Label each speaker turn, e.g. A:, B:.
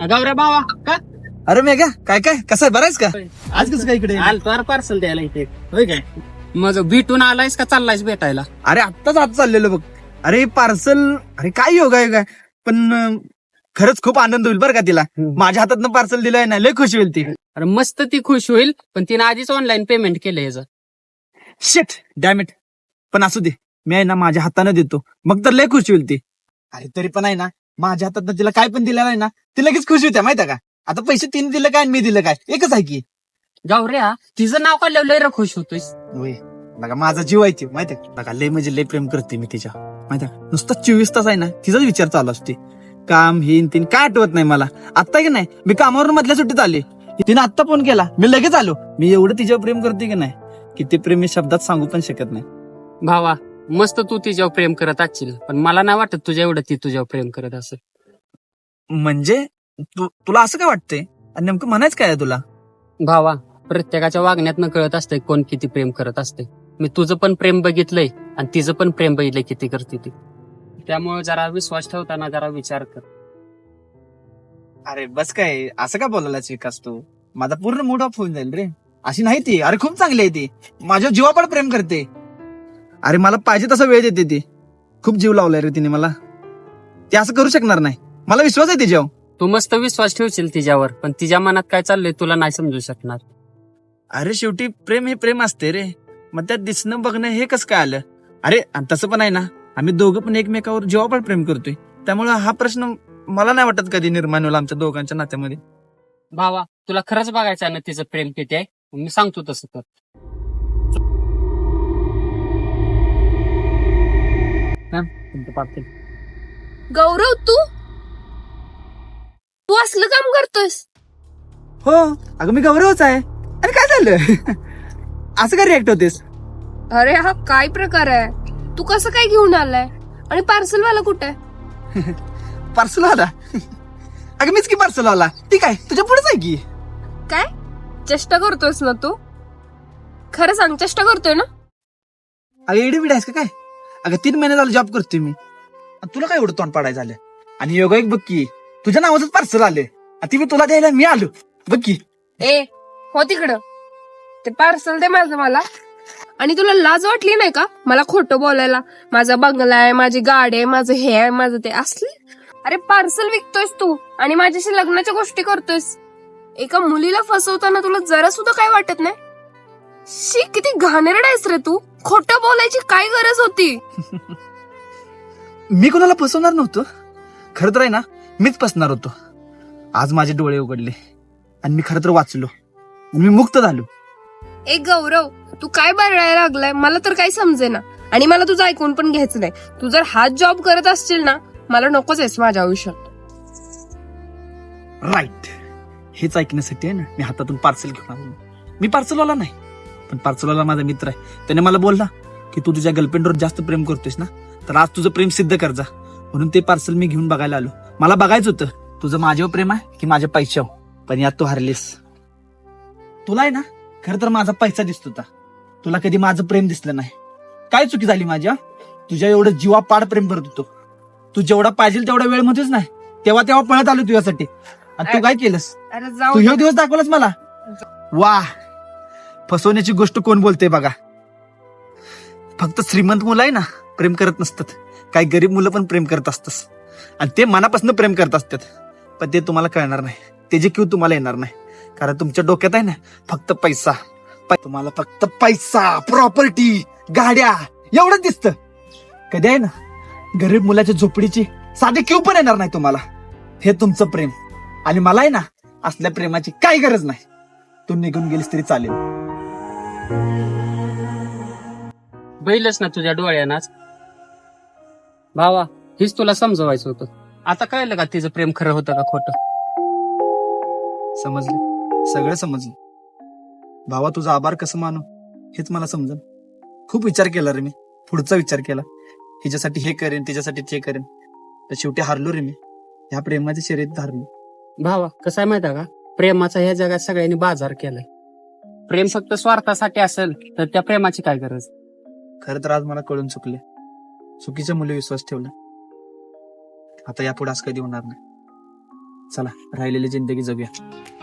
A: गौऱ्या भावा का
B: अरे मेघा काय काय कसं आहे बरायच का? आज कसं काय इकडे?
A: आलतो पार्सल द्यायला इथे. होय काय मग भेटून आलायस का चाललायस भेटायला?
B: अरे आत्ताच आज चाललेलो बघ. अरे पार्सल, अरे काय योगा योगा. पण खरंच खूप आनंद होईल बरं का तिला. माझ्या हातातनं पार्सल दिलंय ना, लय खुश होईल ती.
A: अरे मस्त ती खुश होईल, पण तिने आधीच ऑनलाईन पेमेंट केलं याचं.
B: Shit damn it. पण असू दे, मी आहे ना माझ्या हाताने देतो, मग तर लय खुश होईल ती. अरे तरी पण आहे ना, माझ्या हातात तिला काय पण दिलं नाही ना, ती लगेच खुश होत्या माहिती का. आता पैसे तिने दिलं काय आणि मी दिलं काय, एकच आहे की.
A: गौऱ्या तिचं नाव काढल्यावर लय खुश होतोयस.
B: होय बघा, माझा जीव आहे ती माहितीये बघा. लय म्हणजे लय प्रेम करते मी तिच्या माहिती. नुसतं 24 तास आहे ना तिचाच विचार चालू असते. काम हिन तीन काय आठवत नाही मला. आता की नाही मी कामावरून मधल्या सुट्टीत आले, तिने आत्ता फोन केला, मी लगेच आलो. मी एवढं तिच्यावर प्रेम करते की नाही, की ते प्रेम मी शब्दात सांगू पण शकत नाही.
A: भावा मस्त तू तिच्यावर प्रेम करत असशील, पण मला नाही वाटत तुझ्या एवढं ती तुझ्यावर प्रेम करत असेल.
B: म्हणजे तुला असं काय वाटतंय आणि नेमकं म्हणायचं काय आहे तुला?
A: भावा प्रत्येकाच्या वागण्यातनं कळत असतंय कोण किती प्रेम करत असते. मी तुझं पण प्रेम बघितलंय आणि तिचं पण प्रेम बघितलंय किती करते ती. त्यामुळे जरा विश्वास ठेवताना जरा विचार कर.
B: अरे बस काय, असं का बोलायला विकास तू? माझा पूर्ण मूड ऑफ होऊन जाईल रे. अशी नाही ती. अरे खूप चांगली आहे ती, माझ्या जीवावर प्रेम करते. अरे मला पाहिजे तसा वेळ देते ती. खूप जीव लावलाय रे तिने मला. ती असं करू शकणार नाही, मला विश्वास आहे तिच्यावर.
A: तू मस्त विश्वास ठेवशील तिच्यावर, पण तिच्या मनात काय चाललंय तुला नाही समजू शकणार.
B: अरे शेवटी प्रेम हे प्रेम असते रे. मग त्यात दिसणं बघणं हे कसं काय आलं? अरे आणि तसं पण आहे ना, आम्ही दोघं पण एकमेकावर जीवावर प्रेम करतोय. त्यामुळे हा प्रश्न मला नाही वाटत कधी निर्माण होईल आमच्या दोघांच्या नात्यामध्ये.
A: भावा तुला खरंच बघायचं आहे ना तिचं प्रेम किती आहे, मी सांगतो तसं कर. तुमचं पार्सल.
C: गौरव तू तू असलं काम करतोयस?
B: हो अगं मी गौरवच आहे. अरे काय झालं? असं काय रिॲक्ट होतेस?
C: अरे हा काय प्रकार आहे? तू कसं काय घेऊन आलाय? आणि पार्सल वाला कुठे आहे?
B: पार्सल आला? अगं मीच की पार्सल आला. ठीक आहे, तुझ्या पुढेच आहे की.
C: काय चेष्टा करतोयस ना तू? खरं सांग, चेष्टा करतोय ना?
B: अगं एडी बिडी आहेस का काय? अगं 3 महिने झालं जॉब करतोय मी. आणि तुला काय एवढं तोंड पाडायचं झालं? आणि योगा एक बघ की, तुझ्या नावाचंच पार्सल आले, ती मी तुला द्यायला मी आलो. बघ की.
C: ए हो तिकडं, ते पार्सल दे माझं मला. आणि तुला लाज वाटली नाही का मला खोटं बोलायला? माझा बंगला आहे, माझी गाडी आहे, माझं हे आहे, माझं ते असले. अरे पार्सल विकतोयस तू आणि माझ्याशी लग्नाच्या गोष्टी करतोयस. एका मुलीला फसवताना तुला जरा सुद्धा काय वाटत नाही? शी, किती घाणेरडा आहेस रे तू. खोटं बोलायची काय गरज होती?
B: मी कोणाला फसवणार नव्हतो. खरं तर आहे ना, मीच फसणार होतो. आज माझे डोळे उघडले आणि मी खरं तर वाचलो, मी मुक्त झालो.
C: ए गौरव, तू काय बरडायला लागलाय? मला तर काही समजेना आणि मला तुझं ऐकून पण घ्यायचं नाही. तू जर हाच जॉब करत असशील ना, मला नकोच आहेस माझ्या आयुष्यात.
B: राईट. हेच ऐकण्यासाठी आहे ना मी हातातून पार्सल घेऊन आलो. मी पार्सलवाला नाही, पण पार्सलवाला माझा मित्र आहे. त्याने मला बोलला की तू तुझ्या गर्लफ्रेंडवर जास्त प्रेम करतोयस ना, तर आज तुझं प्रेम सिद्ध कर जा. म्हणून ते पार्सल मी घेऊन बघायला आलो. मला बघायचं होतं तुझं माझ्यावर प्रेम आहे की माझ्या पैशावर. पण यात तू हरलीस. तुला आहे ना खरं तर माझा पैसा दिसत होता, तुला कधी माझं प्रेम दिसलं नाही. काय चुकी झाली माझ्या? तुझ्या एवढं जीवापाड प्रेम करत होतो. तू जेवढा पाहिजे तेवढा वेळ मध्येच नाही, तेव्हा तेव्हा पळत आलो तुझ्यासाठी. आणि तू काय केलंस?
C: अरे
B: तू
C: जाऊ
B: ह्यो दिवस दाखवलास मला. वा, फसवण्याची गोष्ट कोण बोलते बघा. फक्त श्रीमंत मुलं आहे ना प्रेम करत नसतात, काही गरीब मुलं पण प्रेम करत असतात. आणि ते मनापासून प्रेम करत असतात. पण ते तुम्हाला कळणार नाही, त्याची क्यू तुम्हाला येणार नाही. कारण तुमच्या डोक्यात आहे ना फक्त पैसा. तुम्हाला फक्त पैसा, प्रॉपर्टी, गाड्या एवढंच दिसतं. कधी आहे ना गरीब मुलाच्या झोपडीची साधी क्यू पण येणार नाही तुम्हाला. हे तुमचं प्रेम. आणि मला आहे ना असल्या प्रेमाची काही गरज नाही. तू निघून गेलीस तरी चालेल.
A: बैलच ना तुझ्या डोळ्यानाच. भावा हेच तुला समजवायचं होतं. आता कळलं का तिचं प्रेम खरं होतं का खोटं?
B: समजलं, सगळं समजलं. भावा तुझा आभार कसं मानू हेच मला समजलं. खूप विचार केला रे मी, पुढचा विचार केला. हिच्यासाठी हे करेन, तिच्यासाठी ते करेन. तर शेवटी हारलो रे मी. ह्या प्रेमाच्या शर्यतीत हारलो.
A: भावा कसं आहे माहिती आहे का, प्रेमाचा ह्या जगात सगळ्यांनी बाजार केलाय. प्रेम फक्त स्वार्थासाठी असेल तर त्या प्रेमाची काय गरज?
B: खरं तर आज मला कळून चुकले. चुकीच्या मुली विश्वास ठेवला. आता यापुढे असं कधी होणार नाही. चला राहिलेली जिंदगी जगूया.